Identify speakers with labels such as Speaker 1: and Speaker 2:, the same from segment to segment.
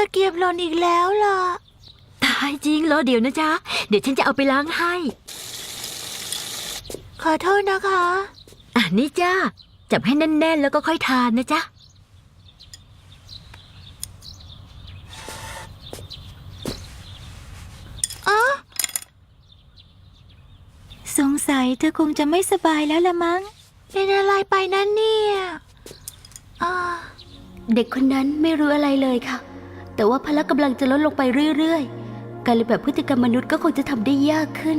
Speaker 1: ะเกียบหล่นอีกแล้วล่ะ
Speaker 2: ตายจริงรอเดี๋ยวนะจ๊ะเดี๋ยวฉันจะเอาไปล้างให้
Speaker 1: ขอโทษนะคะ
Speaker 2: นี่จ้าจับให้แน่นๆแล้วก็ค่อยทานนะจ๊ะ
Speaker 1: สงสัยเธอคงจะไม่สบายแล้วละมั้งเป็นอะไรไปนั่นเนี่ย
Speaker 3: เด็กคนนั้นไม่รู้อะไรเลยค่ะแต่ว่าพละกำลังจะลดลงไปเรื่อยๆการเรียนแบบพฤติกรรมมนุษย์ก็คงจะทำได้ยากขึ้น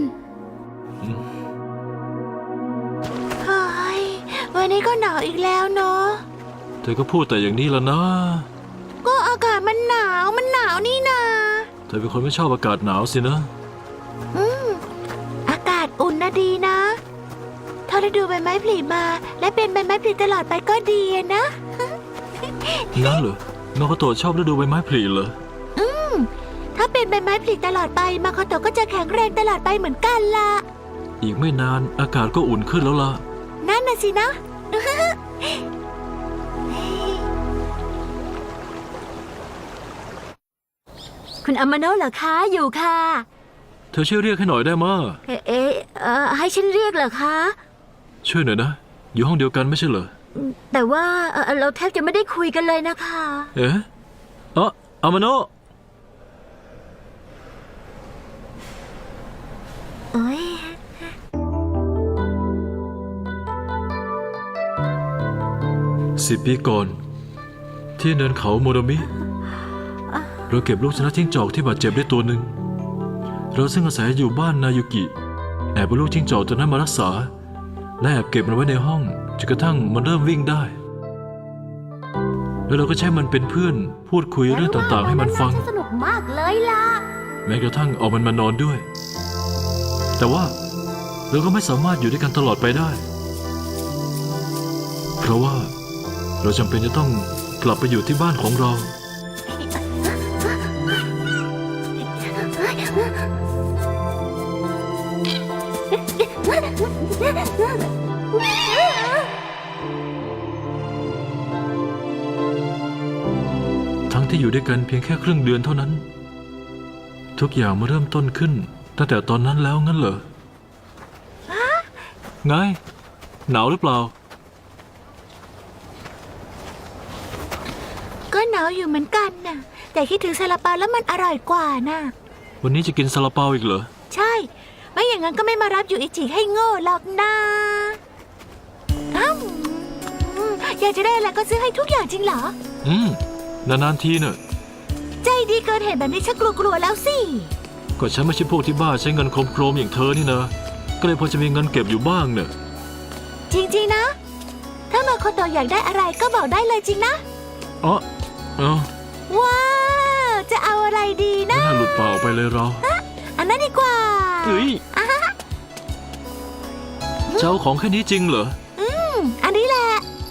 Speaker 1: เฮ้ยวันนี้ก็หนาวอีกแล้วเนาะ
Speaker 4: เธอก็พูดแต่อย่างนี้แล้วนะ
Speaker 1: ก็อากาศมันหนาวนี่นา
Speaker 4: เธอเป็นคนไม่ชอบอากาศหนาวสินะ
Speaker 1: อากาศอุ่นนะดีนะถ้าฤดูใบไม้ผลิมาและเป็นใบไม้ผลิตลอดไปก็ดีนะ
Speaker 4: งั้นเหรอมาโคโตะชอบฤดูใบไม้ผลิเหรอ
Speaker 1: ถ้าเป็นใบไม้ผลิตลอดไปมาโคโตะก็จะแข็งแรงตลอดไปเหมือนกันล่ะ
Speaker 4: อีกไม่นานอากาศก็อุ่นขึ้นแล้วล่ะ
Speaker 1: นั่นน่ะสินะ
Speaker 2: คุณอามาโนะเหรอคะอยู่ค่ะ
Speaker 4: เธอช่วยเรียกให้หน่อยได้มั้ย
Speaker 2: ให้ฉันเรียกเหรอคะ
Speaker 4: ช่วยหน่อยนะอยู่ห้องเดียวกันไม่ใช่เหรอ
Speaker 2: แต่ว่าเราแทบจะไม่ได้คุยกันเลยนะคะ
Speaker 4: อามาโนะ10 ปีก่อนที่เนินเขาโมโดมิเราเก็บลูกชนะจิ้งจอกที่บาดเจ็บได้ตัวหนึ่งเราซึ่งอาศัยอยู่บ้านนายุกิแอบเอาลูกจิ้งจอกตัวนั้นมารักษาและแอบเก็บมันไว้ในห้องจนกระทั่งมันเริ่มวิ่งได้แล้วเราก็ใช้มันเป็นเพื่อนพูดคุยเรื่องต่างๆให้มันฟัง
Speaker 3: สนุกมากเลยล่ะ
Speaker 4: แม้กระทั่งเอามันมานอนด้วยแต่ว่าเราก็ไม่สามารถอยู่ด้วยกันตลอดไปได้เพราะว่าเราจำเป็นจะต้องกลับไปอยู่ที่บ้านของเราทั้งที่อยู่ด้วยกันเพียงแค่ครึ่งเดือนเท่านั้นทุกอย่างมาเริ่มต้นขึ้นตั้งแต่ตอนนั้นแล้วงั้นเหรอไงหนาวหรือเปล่า
Speaker 1: ก็หนาวอยู่เหมือนกันน่ะแต่คิดถึงซาลาเปาแล้วมันอร่อยกว่าน่ะ
Speaker 4: วันนี้จะกินซาลาเปาอีกเหรอ
Speaker 1: ใช่ไม่อย่างนั้นก็ไม่มารับยูอิจิให้โง่หรอกนะอยากจะได้อะไรก็ซื้อให้ทุกอย่างจริงเหร
Speaker 4: อนานๆทีเนอะ
Speaker 1: ใจดีเกินเห็นแบบนี้ฉันกลัวแล้วสิ
Speaker 4: ก็ฉันไม่ใช่พวกที่บ้าใช้เงินโครมๆอย่างเธอนี่นะก็เลยพอจะมีเงินเก็บอยู่บ้างเนอะ
Speaker 1: จริงๆนะถ้ามาโคโตะอยากได้อะไรก็บอกได้เลยจริงนะว้าวจะเอาอะไรดีนะ
Speaker 4: ไม่น่าหลุดเปล่าไปเลยเรา
Speaker 1: อันนั้นดีกว่า
Speaker 4: เจ้าของแค่นี้จริงเหรอ
Speaker 1: อันนี้แหละ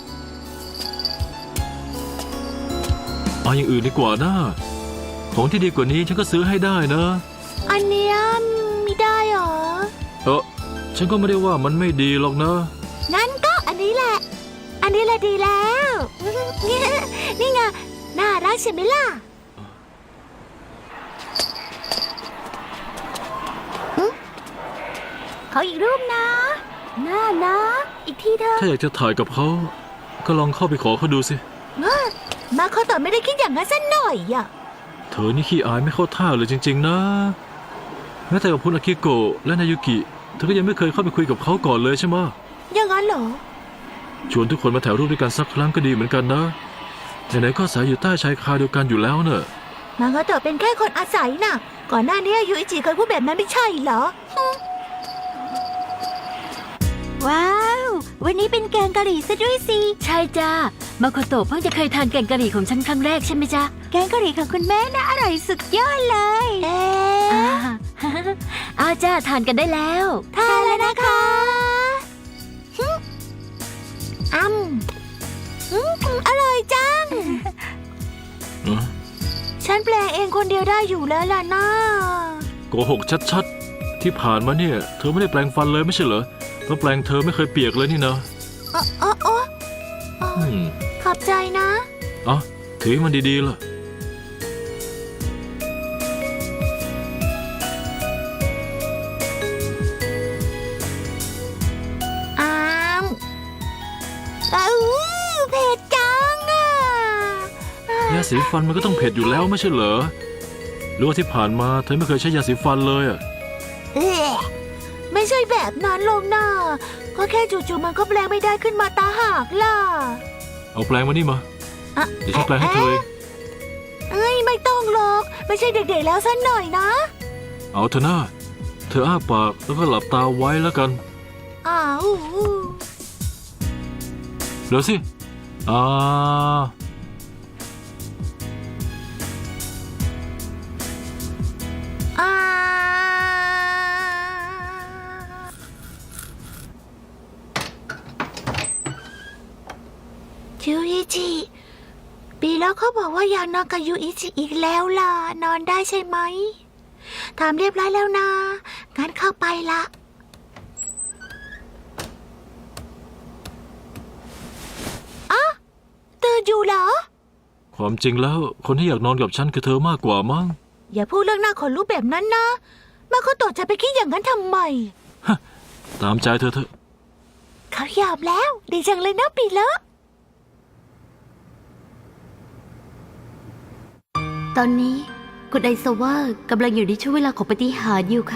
Speaker 4: เอาอย่างอื่นดีกว่านะของที่ดีกว่านี้ฉันก็ซื้อให้ได้นะ
Speaker 1: อันเนี้ยไม่ได้หรอ
Speaker 4: ฉันก็ไม่ได้ว่ามันไม่ดีหรอกนะ
Speaker 1: งั้นก็อันนี้แหละดีแล้วนี่ไงน่ารักใช่ไหมล่ะ
Speaker 3: เขาอีกรูปนะน่านะอีกทีเถอะ
Speaker 4: ถ้าอยากจะถ่ายกับเขาก็ลองเข้าไปขอเขาดูสิ
Speaker 1: มาโคโตะไม่ได้คิดอย่างนั้นสักหน่อยอ่ะ
Speaker 4: เธอนี่ขี้อายไม่เข้าท่าเลยจริงๆนะแม้แต่กับคุณอากิโกะและนายุกิเธอก็ยังไม่เคยเข้าไปคุยกับเขาก่อนเลยใช่ไหม
Speaker 1: อย่างนั้นเหรอ
Speaker 4: ชวนทุกคนมาถ่ายรูปด้วยกันสักครั้งก็ดีเหมือนกันนะไหนๆก็อาศัยอยู่ใต้ชายคาเดียวกันอยู่แล้วเนอะ
Speaker 1: มาโคโตะเป็นแค่คนอาศัยน่ะก่อนหน้านี้ยูอิจิเคยพูดแบบนั้นไม่ใช่เหรอว้าววันนี้เป็นแกงกะหรี่ซะด้วยสิ
Speaker 2: ใช่จ้ามาโคโตะเพิ่งจะเคยทานแกงกะหรี่ของฉันครั้งแรกใช่ไหมจ๊ะ
Speaker 1: แกงกะหรี่ของคุณแม่น่าอร่อยสุดยอดเลย
Speaker 2: จ้าทานกันได้แล้ว
Speaker 1: ทานแล้วนะคะอร่อยจังฉันแปลงเองคนเดียวได้อยู่แล้วล่ะนะ
Speaker 4: โกหกชัดๆที่ผ่านมาเนี่ยเธอไม่ได้แปลงฟันเลยไม่ใช่เหรอเพราะแปลงเธอไม่เคยเปียกเลยนี่นะ
Speaker 1: ขอบใจนะ
Speaker 4: ถือมันดีๆล่ะาสีฟันมันก็ต้องเผ็ดอยู่แล้วไม่ใช่เหรอหรือว่าที่ผ่านมาเธอไม่เคยใช้ยาสีฟันเลยอะ
Speaker 1: เอ๊ะไม่ใช่แบบนั้นลงนะก็แค่จู่ๆมันก็แปลงไม่ได้ขึ้นมาตาหากล่ะ
Speaker 4: เอาแปรงมานี่มา
Speaker 1: อะ
Speaker 4: เดี๋ยวฉันแปรงให้เธอเอง
Speaker 1: เอ้ยไม่ต้องหรอกไม่ใช่เด็กๆแล้วสักหน่อยนะ
Speaker 4: เอาเถอะนะเธออ้าปากแล้วก็หลับตาไว้แล้วกัน
Speaker 1: อ้าว
Speaker 4: เดี๋ยวสิอ่า
Speaker 1: อ่ายูอิจิปีแล้วเขาบอกว่าอยากนอนกับยูอิจิอีกแล้วล่ะนอนได้ใช่ไหมถามเรียบร้อยแล้วนะงั้นเข้าไปละอะตื่นอยู่เหรอ
Speaker 4: ความจริงแล้วคนที่อยากนอนกับฉันคือเธอมากกว่ามั้ง
Speaker 1: อย่าพูดเรื่องหน้าขนลุกแบบนั้นนะมาโคโตะจะไปคิดอย่างนั้นทำไม
Speaker 4: ตามใจเธอเถอะ
Speaker 1: เขายอมแล้วดีจังเลยนะปีเลอะ
Speaker 3: ตอนนี้คุณไอซาว่ากำลังอยู่ในช่วงเวลาของปาฏิหาริย์อยู่ค่ะ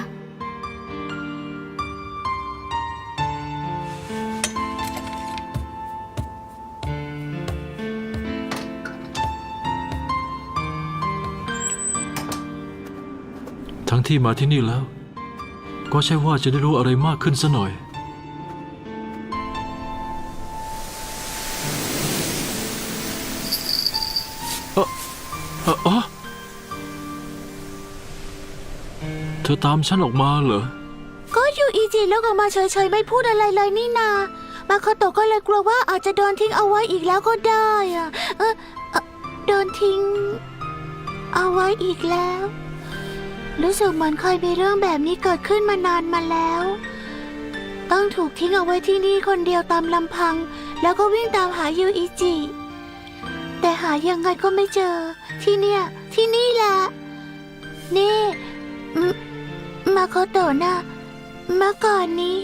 Speaker 4: ทั้งที่มาที่นี่แล้ว ก็ใช่ว่าจะได้รู้อะไรมากขึ้นซะหน่อยอ๋อเธอตามฉันออกมาเหรอ
Speaker 1: ก็ยูอิจิแล้วก็มาเฉยๆไม่พูดอะไรเลยนี่นามาโคโตะก็เลยกลัวว่าอาจจะโดนทิ้งเอาไว้อีกแล้วก็ได้อะโดนทิ้ง เอาไว้อีกแล้ว รู้สึกเหมือนเคยมีเรื่องแบบนี้เกิดขึ้นมานานมาแล้ว ต้องถูกทิ้งเอาไว้ที่นี่คนเดียวตามลำพัง แล้วก็วิ่งตามหายูอิจิ แต่หายังไงก็ไม่เจอ ที่นี่แหละนี่มาโคโตะนะเมื่อก่อนนี้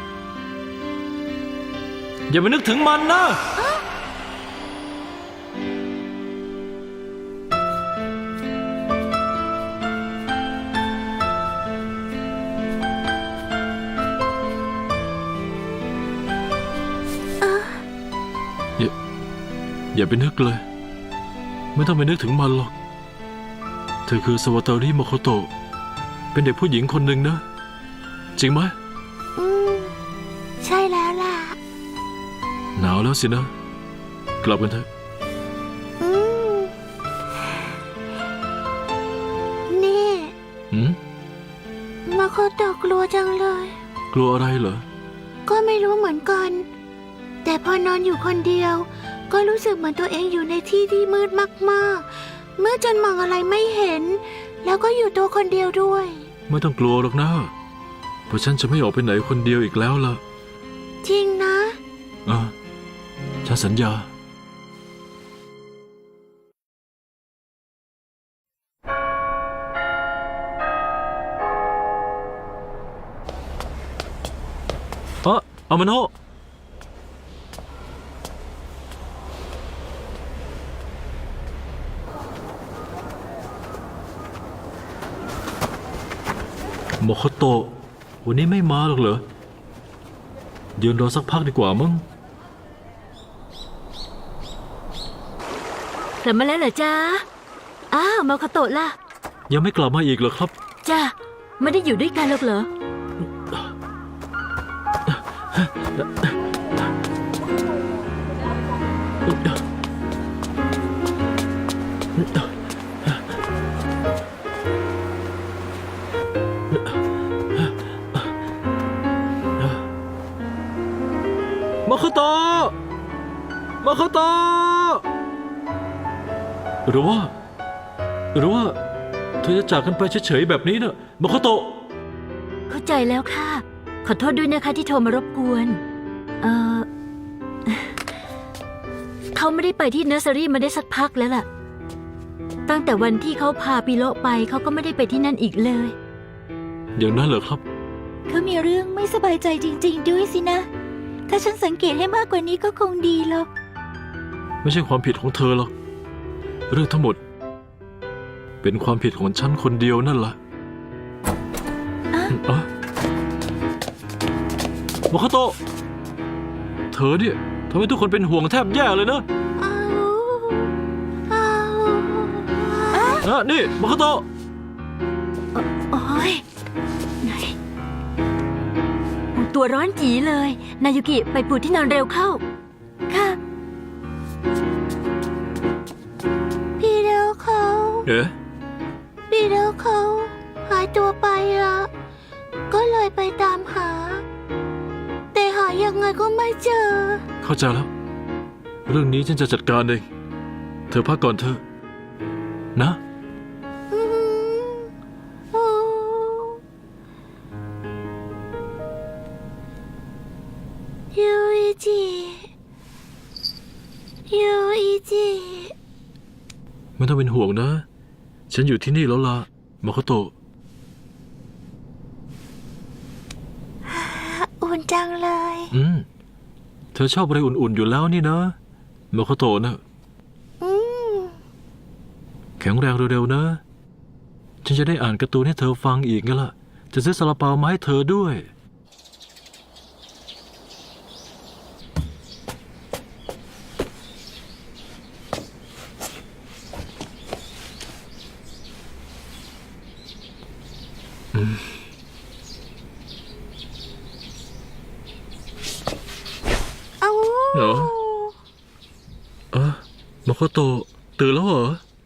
Speaker 4: อย่าไปนึกถึงมันนะ อย่าไปนึกเลย ไม่ต้องไปนึกถึงมันหรอก เธอคือสวาตาริโมโคโตะเป็นเด็กผู้หญิงคนหนึ่งนะ จริงไหม
Speaker 1: ใช่แล้วล่ะ
Speaker 4: หนาวแล้วสินะ กลับกันเถอะ
Speaker 1: นี่
Speaker 4: หืม
Speaker 1: มาโคโตะกลัวจังเลย
Speaker 4: กลัวอะไรเหรอ
Speaker 1: ก็ไม่รู้เหมือนกัน แต่พอนอนอยู่คนเดียว ก็รู้สึกเหมือนตัวเองอยู่ในที่ที่มืดมากๆมืดจนมองอะไรไม่เห็น แล้วก็อยู่ตัวคนเดียวด้วย
Speaker 4: ไม่ต้องกลัวหรอกนะ เพราะฉันจะไม่ออกไปไหนคนเดียวอีกแล้วล่ะ
Speaker 1: จริงนะ
Speaker 4: ฉันสัญญา อามาโนะโมโคโตะวันนี้ไม่มาหรอกเหรอยืนรอสักพักดีกว่ามั้ง
Speaker 2: กลับมาแล้วเหรอจ๊ะอ้าวมาโคโตะล่ะ
Speaker 4: ยังไม่กลับมาอีกเหรอครับ
Speaker 2: จ้าไม่ได้อยู่ด้วยกันหรอกเหรอ
Speaker 4: มาโคโตะมาโคโตะหรือว่าเธอจะจากกันไปเฉยๆแบบนี้นะมาโคโตะ
Speaker 2: เข้าใจแล้วค่ะ ขอโทษด้วยนะคะที่โทรมารบกวนเขาไม่ได้ไปที่เนอร์เซอรี่มาได้สักพักแล้วล่ะ ตั้งแต่วันที่เขาพาปิโลไปเขาก็ไม่ได้ไปที่นั่นอีกเลย
Speaker 4: อย่างนั้นเหรอครับ
Speaker 3: เขามีเรื่องไม่สบายใจจริงๆด้วยสินะ ถ้าฉันสังเกตให้มากกว่านี้ก็คงดีหรอก
Speaker 4: ไม่ใช่ความผิดของเธอหรอกเรื่องทั้งหมด เป็นความผิดของฉันคนเดียวนั่นแหละอะมาคาโตะเธอเนี่ยทำให้ทุกคนเป็นห่วงแทบแย่เลยนะ นี่มาคาโตะ
Speaker 2: โอ้ยไหนตัวร้อนจีเลย นายุกิไปปูที่นอนเร็วเข้า ค่ะ
Speaker 1: พี่เดวเขา
Speaker 4: เอ๊ะ
Speaker 1: พี่เดวเขาหายตัวไปละก็เลยไปตามหา แต่หายังไงก็ไม่เจอ
Speaker 4: เข้าใจแล้ว เรื่องนี้ฉันจะจัดการเอง เธอพักก่อนเถอะนะ
Speaker 1: ยูอิจิยูอิจิ
Speaker 4: ไม่ต้องเป็นห่วงนะ ฉันอยู่ที่นี่แล้วล่ะมาคาโตะ
Speaker 1: อุ่นจังเลย
Speaker 4: เธอชอบอะไรอุ่นๆอยู่แล้วนี่นะมาคาโตะนะ แข็งแรงเร็วๆนะ ฉันจะได้อ่านการ์ตูนให้เธอฟังอีกไงล่ะ จะซื้อซาลาเปามาให้เธอด้วย
Speaker 1: เอา
Speaker 4: เหรอ มาคาโตะตื่นแล้วเหรอ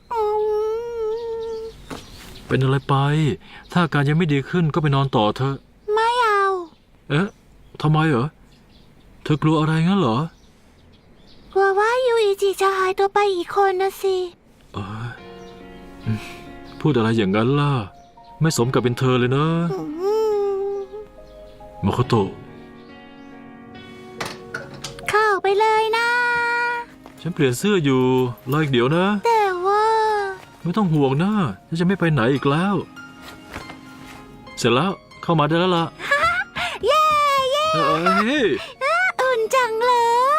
Speaker 4: เป็นอะไรไป ถ้าอาการยังไม่ดีขึ้นก็ไปนอนต่อเถอะ
Speaker 1: ไม่เอา
Speaker 4: เอ๊ะทำไมเหรอ เธอกลัวอะไรงั้นเหรอ
Speaker 1: กลัวว่ายูอิจิจะหายตัวไปอีกคนนะสิ
Speaker 4: เอ้ยพูดอะไรอย่างนั้นล่ะ ไม่สมกับเป็นเธอเลยนะมาโคโตะ
Speaker 1: เข้าไปเลยนะ
Speaker 4: ฉันเปลี่ยนเสื้ออยู่รออีกเดี๋ยวนะ
Speaker 1: แต่ว่า
Speaker 4: ไม่ต้องห่วงนะฉันจะไม่ไปไหนอีกแล้ว เสร็จแล้วเข้ามาได้แล้วล่ะ
Speaker 1: เย้เย้
Speaker 4: เอ้ย
Speaker 1: อุ่นจังเลย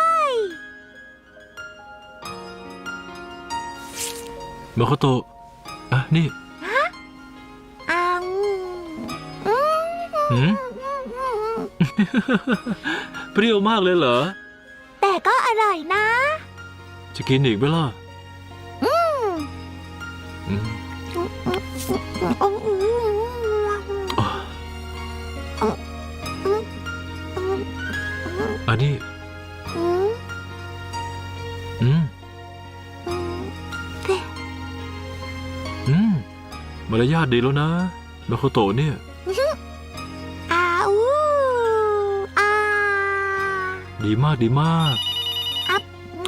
Speaker 4: มาโคโตะนี่
Speaker 1: อัง
Speaker 4: หืม เปรี้ยวมากเลยเหรอ
Speaker 1: แต่ก็อร่อยนะ
Speaker 4: จะกินอีกไหมล่ะอืม อันนี้มารยาทดีแล้วนะมาโคโตะเนี่ย
Speaker 1: อาอูอา
Speaker 4: ดีมากดีมาก
Speaker 1: อับ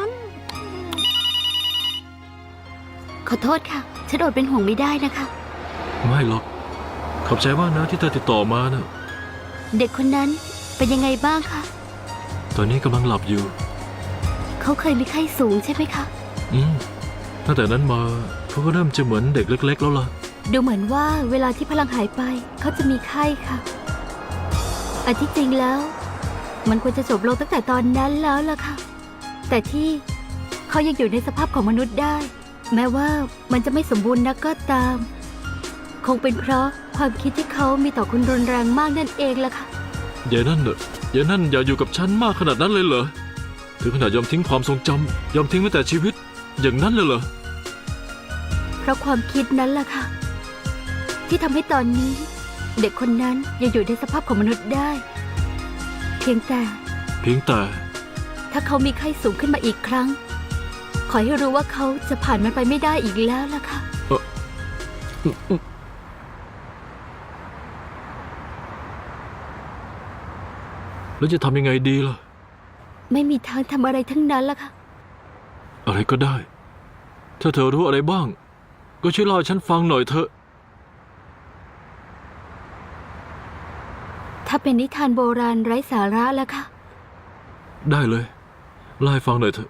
Speaker 3: ขอโทษค่ะ ฉันอดเป็นห่วงไม่ได้นะคะ
Speaker 4: ไม่หรอก ขอบใจมากนะที่เธอติดต่อมานะ
Speaker 3: เด็กคนนั้นเป็นยังไงบ้างคะ
Speaker 4: ตอนนี้กำลังหลับอยู่
Speaker 3: เขาเคยมีไข้สูงใช่ไหมคะ
Speaker 4: ตั้งแต่นั้นมาเขาก็เริ่มจะเหมือนเด็กเล็กๆแล้วล่ะ
Speaker 3: ดูเหมือนว่าเวลาที่พลังหายไปเขาจะมีไข้ค่ะอันที่จริงแล้ว มันควรจะจบลงตั้งแต่ตอนนั้นแล้วล่ะค่ะ แต่ที่เขายังอยู่ในสภาพของมนุษย์ได้ แม้ว่ามันจะไม่สมบูรณ์นักก็ตาม คงเป็นเพราะความคิดที่เขามีต่อคุณรุนแรงมากนั่นเองล่ะค่ะ
Speaker 4: อย่านั่นอย่าอยู่กับฉันมากขนาดนั้นเลยเหรอ ถึงขนาดยอมทิ้งความทรงจำยอมทิ้งแม้แต่ชีวิต อย่างนั้นเลยเหรอ
Speaker 3: เพราะความคิดนั้นล่ะค่ะ ที่ทำให้ตอนนี้ เด็กคนนั้นยังอยู่ในสภาพของมนุษย์ได้ เพียงแต่ ถ้าเขามีไข้สูงขึ้นมาอีกครั้ง ขอให้รู้ว่าเขาจะผ่านมันไปไม่ได้อีกแล้วล่ะค่ะ
Speaker 4: แล้วจะทำยังไงดีล่ะ
Speaker 3: ไม่มีทางทำอะไรทั้งนั้นล่ะค่ะ
Speaker 4: อะไรก็ได้ ถ้าเธอรู้อะไรบ้าง ก็ช่วยเล่าให้ฉันฟังหน่อยเถอะ
Speaker 3: ถ้าเป็นนิทานโบราณไร้สาระล่ะค่ะ
Speaker 4: ได้เลยเล่าให้ฟังหน่อยเถอะ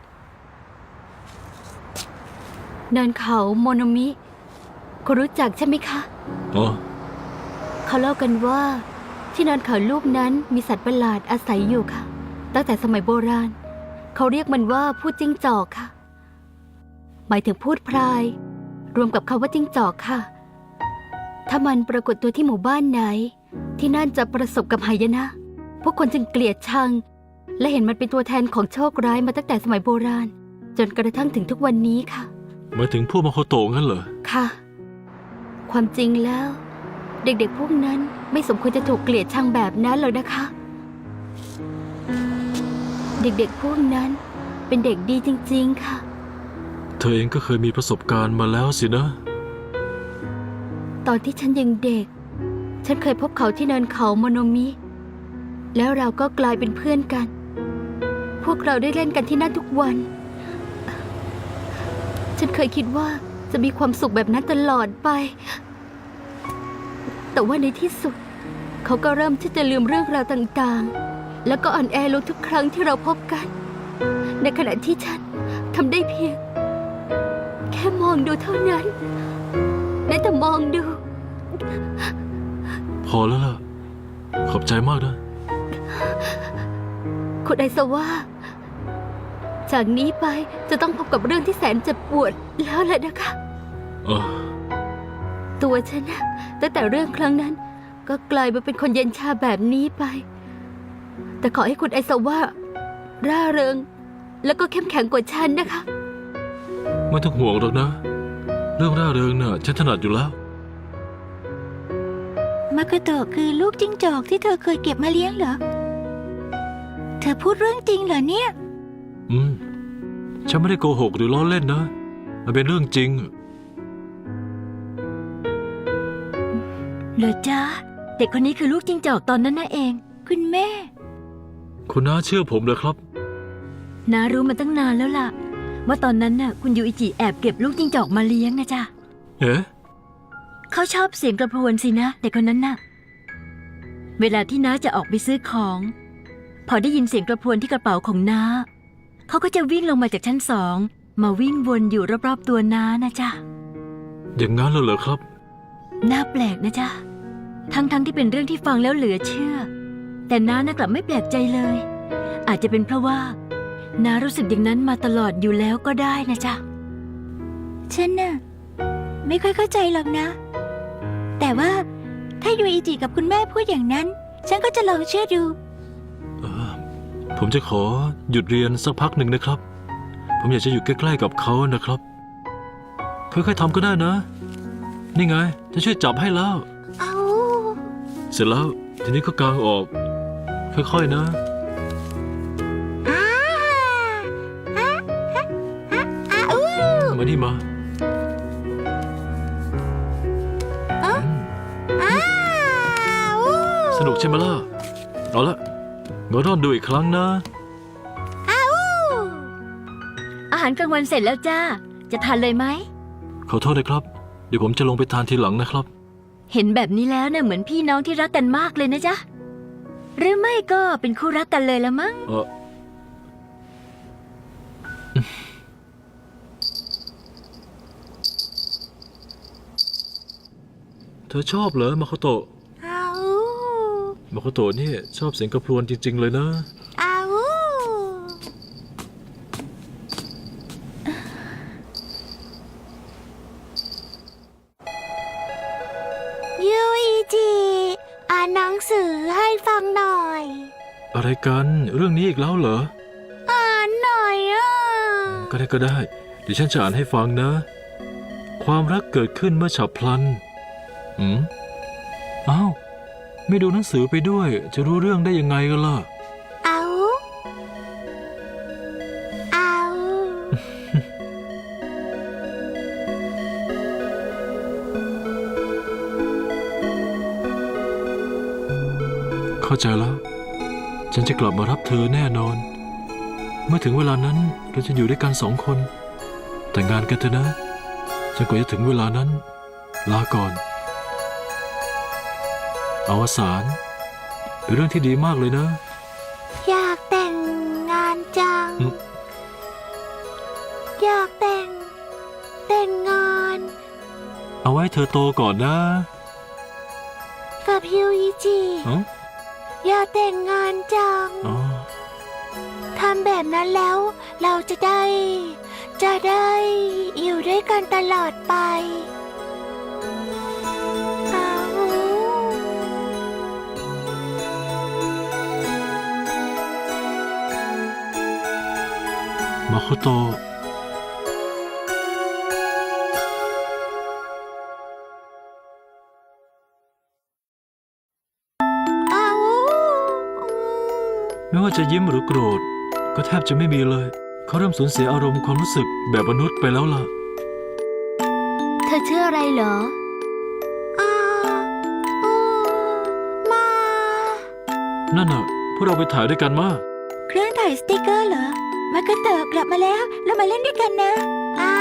Speaker 3: เนินเขาโมโนมิคุณรู้จักใช่ไหมคะ
Speaker 4: อ๋อ
Speaker 3: เขาเล่ากันว่าที่เนินเขาลูกนั้นมีสัตว์ประหลาดอาศัยอยู่ค่ะ ตั้งแต่สมัยโบราณ เขาเรียกมันว่าผู้จิ้งจอกค่ะหมายถึงพูดพราย รวมกับคำว่าจิ้งจอกค่ะ ถ้ามันปรากฏตัวที่หมู่บ้านไหน ที่นั่นจะประสบกับหายนะ พวกคนจึงเกลียดชัง และเห็นมันเป็นตัวแทนของโชคร้ายมาตั้งแต่สมัยโบราณ จนกระทั่งถึงทุกวันนี้ค่ะ
Speaker 4: หมายถึงพวกมาโคโตะงั้นเหรอ
Speaker 3: ค่ะ ความจริงแล้ว เด็กๆพวกนั้นไม่สมควรจะถูกเกลียดชังแบบนั้นหรอกนะคะ เด็กๆพวกนั้นเป็นเด็กดีจริงๆค่ะ
Speaker 4: เธอเองก็เคยมีประสบการณ์มาแล้วสินะ
Speaker 3: ตอนที่ฉันยังเด็ก ฉันเคยพบเขาที่เนินเขาโมโนมิ แล้วเราก็กลายเป็นเพื่อนกัน พวกเราได้เล่นกันที่นั่นทุกวัน ฉันเคยคิดว่าจะมีความสุขแบบนั้นตลอดไป แต่ว่าในที่สุด เขาก็เริ่มที่จะลืมเรื่องราวต่างๆ แล้วก็อ่อนแอลงทุกครั้งที่เราพบกัน ในขณะที่ฉันทำได้เพียง แค่มองดูเท่านั้นได้แต่มองดู
Speaker 4: พอแล้วล่ะ ขอบใจมากนะ
Speaker 3: คุณไอซาว่า จากนี้ไปจะต้องพบกับเรื่องที่แสนเจ็บปวดแล้วแหละนะคะ
Speaker 4: เออ
Speaker 3: ตัวฉันนะตั้งแต่เรื่องครั้งนั้น ก็กลายมาเป็นคนเย็นชาแบบนี้ไป แต่ขอให้คุณไอซาว่า ร่าเริง แล้วก็เข้มแข็งกว่าฉันนะคะ
Speaker 4: ไม่ต้องห่วงหรอกนะ เรื่องร่าเริงน่ะฉันถนัดอยู่แล้ว
Speaker 1: มาโคโตะคือลูกจิ้งจอกที่เธอเคยเก็บมาเลี้ยงเหรอ เธอพูดเรื่องจริงเหรอเนี่ย
Speaker 4: ฉันไม่ได้โกหกหรือล้อเล่นนะ มันเป็นเรื่องจริง
Speaker 2: เหรอจ๊ะ เด็กคนนี้คือลูกจิ้งจอกตอนนั้นน่ะเอง
Speaker 1: คุณแม่
Speaker 4: คุณน้าเชื่อผมเลยครับ
Speaker 2: น้ารู้มาตั้งนานแล้วล่ะ ว่าตอนนั้นน่ะคุณยูอิจิแอบเก็บลูกจิ้งจอกมาเลี้ยงนะจ๊ะ
Speaker 4: เอ๊ะ
Speaker 2: เขาชอบเสียงกระพรวนสินะเด็กคนนั้นน่ะ เวลาที่น้าจะออกไปซื้อของ พอได้ยินเสียงกระพรวนที่กระเป๋าของน้าเขาก็จะวิ่งลงมาจากชั้น2มาวิ่งวนอยู่รอบๆตัวน้านะจ๊ะ
Speaker 4: อย่างนั้นเลยเหรอครับ
Speaker 2: น่าแปลกนะจ๊ะ ทั้งที่เป็นเรื่องที่ฟังแล้วเหลือเชื่อ แต่น้าน่ะกลับไม่แปลกใจเลย อาจจะเป็นเพราะว่าน้ารู้สึกอย่างนั้นมาตลอดอยู่แล้วก็ได้นะจ๊ะ
Speaker 1: ฉันน่ะไม่ค่อยเข้าใจหรอกนะ แต่ว่าถ้ายูอิจิกับคุณแม่พูดอย่างนั้น ฉันก็จะลองเชื่อดู
Speaker 4: ผมจะขอหยุดเรียนสักพักหนึ่งนะครับ ผมอยากจะอยู่ใกล้ๆกับเขานะครับ ค่อยๆทำก็ได้นะ นี่ไง จะช่วยจับให้แล้ว
Speaker 1: เอา
Speaker 4: เสร็จแล้ว ทีนี้ก็กางออก ค่อยๆนะ
Speaker 1: อ้าอ้าอ้าอ้าอู้
Speaker 4: มานี่มา
Speaker 1: อ้าอู้
Speaker 4: สนุกใช่ไหมล่ะ เอาละงอรอนดูอีกครั้งนะ
Speaker 1: อ้าอู้
Speaker 2: อาหารกลางวันเสร็จแล้วจ้า จะทานเลยไหม
Speaker 4: ขอโทษนะครับ เดี๋ยวผมจะลงไปทานทีหลังนะครับ
Speaker 2: เห็นแบบนี้แล้วเนี่ยเหมือนพี่น้องที่รักกันมากเลยนะจ๊ะ หรือไม่ก็เป็นคู่รักกันเลยละมั้ง
Speaker 4: เธอชอบเหรอมาโคโตะ
Speaker 1: อ้าอู้
Speaker 4: มาโคโตะนี่ชอบเสียงกระพรวนจริงๆเลยนะ
Speaker 1: อ้าอู้ยูอิจิอ่านหนังสือให้ฟังหน่อย
Speaker 4: อะไรกันเรื่องนี้อีกแล้วเหรอ
Speaker 1: อ่านหน่อยอ่ะ
Speaker 4: ก็ได้ เดี๋ยวฉันจะอ่านให้ฟังนะ ความรักเกิดขึ้นเมื่อฉับพลันอ้าว ไม่ดูหนังสือไปด้วย จะรู้เรื่องได้ยังไงกันล่ะ
Speaker 1: เอาเอา
Speaker 4: เข้าใจแล้ว ฉันจะกลับมารับเธอแน่นอน เมื่อถึงเวลานั้นเราจะอยู่ด้วยกัน2 คน แต่งงานกันเถอะนะจนกว่าจะถึงเวลานั้น ลาก่อน อวสานเป็นเรื่องที่ดีมากเลยนะ
Speaker 1: อยากแต่งงานจัง อยากแต่งงาน
Speaker 4: เอาไว้เธอโตก่อนนะ
Speaker 1: กับยูอิจิ
Speaker 4: อ๋อ
Speaker 1: อยากแต่งงานจัง
Speaker 4: อ๋อ
Speaker 1: ทำแบบนั้นแล้วเราจะได้จะได้อยู่ด้วยกันตลอดไปอ้าว
Speaker 4: มาโคโตะ
Speaker 1: อ้าว
Speaker 4: ไม่ว่าจะยิ้มหรือโกรธ ก็แทบจะไม่มีเลย เขาเริ่มสูญเสียอารมณ์ความรู้สึกแบบมนุษย์ไปแล้วล่ะ
Speaker 3: เธอชื่ออะไรเหรอ
Speaker 1: อ้าวอู้มา
Speaker 4: นั่นน่ะ พวกเราไปถ่ายด้วยกันมา
Speaker 1: เครื่องถ่ายสติกเกอร์เหรอ มาโคโตะกลับมาแล้ว เรามาเล่นด้วยกันนะอ้า